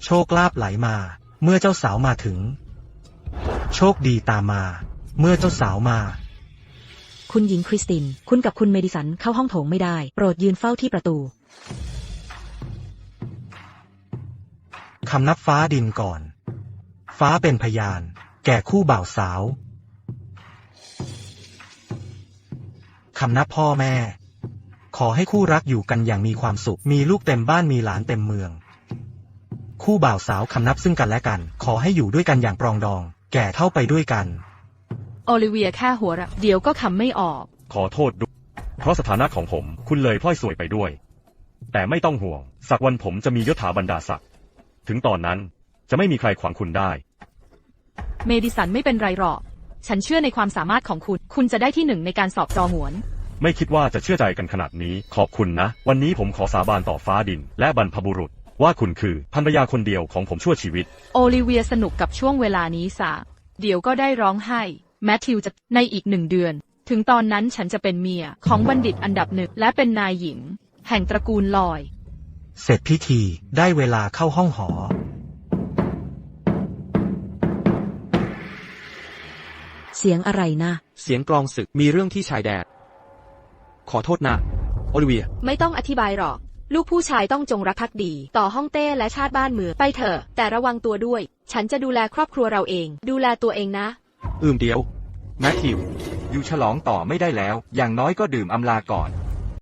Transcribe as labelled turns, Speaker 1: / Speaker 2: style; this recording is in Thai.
Speaker 1: โชคลาภไหลมา เมื่อเจ้าสาวมาถึง โชคดีตามมา เมื่อเจ้าสาวมา
Speaker 2: คุณหญิงคริสติน คุณกับคุณเมดิสันเข้าห้องโถงไม่ได้ โปรดยืนเฝ้าที่ประตู
Speaker 1: คำนับฟ้าดินก่อน ฟ้าเป็นพยาน แก่คู่บ่าวสาว คำนับพ่อแม่ ขอให้คู่รักอยู่กันอย่างมีความสุข มีลูกเต็มบ้านมีหลานเต็มเมือง คู่บ่าวสาวคำนับซึ่งกันและกัน ขอให้อยู่ด้วยกันอย่างปรองดอง แก่เท่าไปด้วยกัน
Speaker 3: โอลิเวียแค่หัวเราะเดี๋ยวก็คำไม่ออก
Speaker 4: ขอโทษด้วยเพราะสถานะของผมคุณเลยพลอยสวยไปด้วย แต่ไม่ต้องห่วงสักวันผมจะมียศถาบรรดาศักดิ์ถึงตอนนั้นจะไม่มีใครขวางคุณได้
Speaker 3: เมดิสันไม่เป็นไรหรอกฉันเชื่อในความสามารถของคุณ คุณจะได้ที่ 1ในการสอบจอหวน
Speaker 4: ไม่คิดว่าจะเชื่อใจกันขนาดนี้ขอบคุณนะ วันนี้ผมขอสาบานต่อฟ้าดินและบรรพบุรุษ ว่าคุณคือภรรยาคนเดียวของผมชั่วชีวิต
Speaker 3: โอลิเวียสนุกกับช่วงเวลานี้สะเดี๋ยวก็ได้ร้องไห้แมทธิวจะในอีก1 เดือน ถึงตอนนั้นฉันจะเป็นเมียของบัณฑิตอันดับ1และเป็นนายหญิง แห่งตระกูลลอย
Speaker 1: เสร็จพิธีได้เวลาเข้าห้องหอ
Speaker 2: เสียงอะไรนะ
Speaker 5: เสียงกลองศึกมีเรื่องที่ชายแดนขอโทษนะโอลิเวีย
Speaker 6: ไม่ต้องอธิบายหรอก ลูกผู้ชายต้องจงรักภักดีต่อฮ่องเต้และชาติบ้านเมืองไปเถอะแต่ระวังตัวด้วย ฉันจะดูแลครอบครัวเราเอง ดูแลตัวเองนะ
Speaker 5: เดี๋ยวแมทธิวอยู่ฉลองต่อไม่ได้แล้ว อย่างน้อยก็ดื่มอำลาก่อน